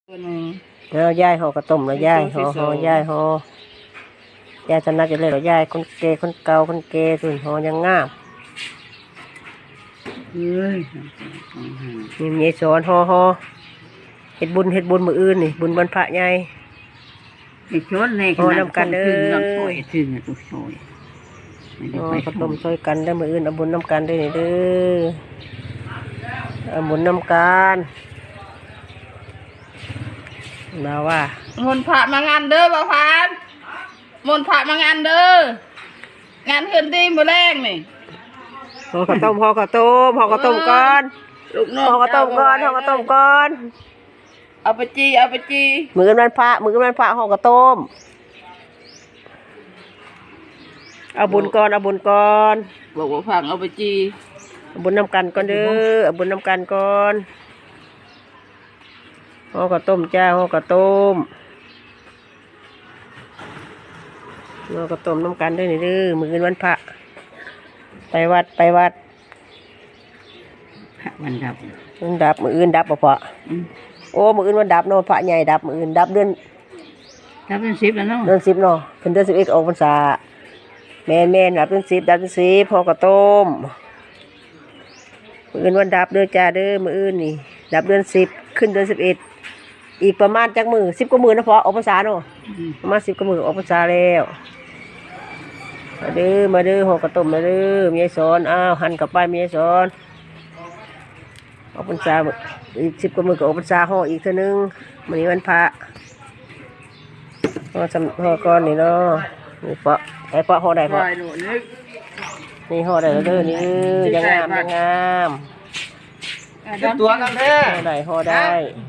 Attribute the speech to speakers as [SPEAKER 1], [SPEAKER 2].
[SPEAKER 1] แล้วย่ายห่อกระต้มแล้วย่ายห่อย่ายชนะจะเลยแล้วย่ายคนเกคนเก่าคนเกส่วนห่อยังงามมีเมียสอนห่อเฮ็ดบุญมื้ออื่นนี่บุญบรรพะใหญ่
[SPEAKER 2] ห่อนำกันเด้อ
[SPEAKER 1] ข้าวต้มช่วยกันได้มื้ออื่นเอาบุญนำกันได้นี่เด้อเอาบุญนำกันมาว่าม
[SPEAKER 2] นต์พระมางานเด้อบ่าวพานมนต์พระมางานเด้องานขึ้นที่มื้อแรงนี่
[SPEAKER 1] ห่อข้าวต้มก่อน
[SPEAKER 2] ลูกน้อง
[SPEAKER 1] ห่อข้าวต้มก่อน
[SPEAKER 2] เอาไปจี
[SPEAKER 1] มื้อวันพระห่อข้าวต้มเอาบุญก่อน
[SPEAKER 2] บอกว่าฟังเอาไปจี
[SPEAKER 1] เอาบุญนำกันก่อนเด้อเอาบุญนำกันก่อนห่อข้าวต้มจ้าห่อข้าวต้มน้ำกันด้วยนี่เด้อมื้อวันพระไปวัด
[SPEAKER 2] พระวันดับ
[SPEAKER 1] มื้ออื่นดับบ่พอโอ้มื้ออื่นวันดับเนาะพระใหญ่ดับมื้ออื่นดับเดือน
[SPEAKER 2] 10แล้วเนาะ
[SPEAKER 1] เดือน10เนาะเพิ่นเดือน11ออกพรรษาแม่นดับเดือน10ห่อข้าวต้มมื้ออื่นวันดับเด้อจ้าเด้อมื้ออื่นนี่ดับเดือน10ขึ้นเดือน11อีกประมาณจักมื้อ10กว่ามื้อนะพอออกพรรษาเนาะประมาณ10กว่ามื้อออกพรรษาแล้วมาเด้อห่อกระต้มมาเด้อมีไอ้สอนอ้าวหั่นกับป้ายมีไอ้สอนออกพรรษาอีก10กว่ามื้อก็ออกพรรษาห่ออีกเท่านึงมื้อนี้วันพระห่อก่อนนี่เนาะนี่เปาะห่อได้เปาะนี่ห่อได้แล้วเด้อนี่ยังงาม
[SPEAKER 2] ตัวกันแท้
[SPEAKER 1] ห่อได้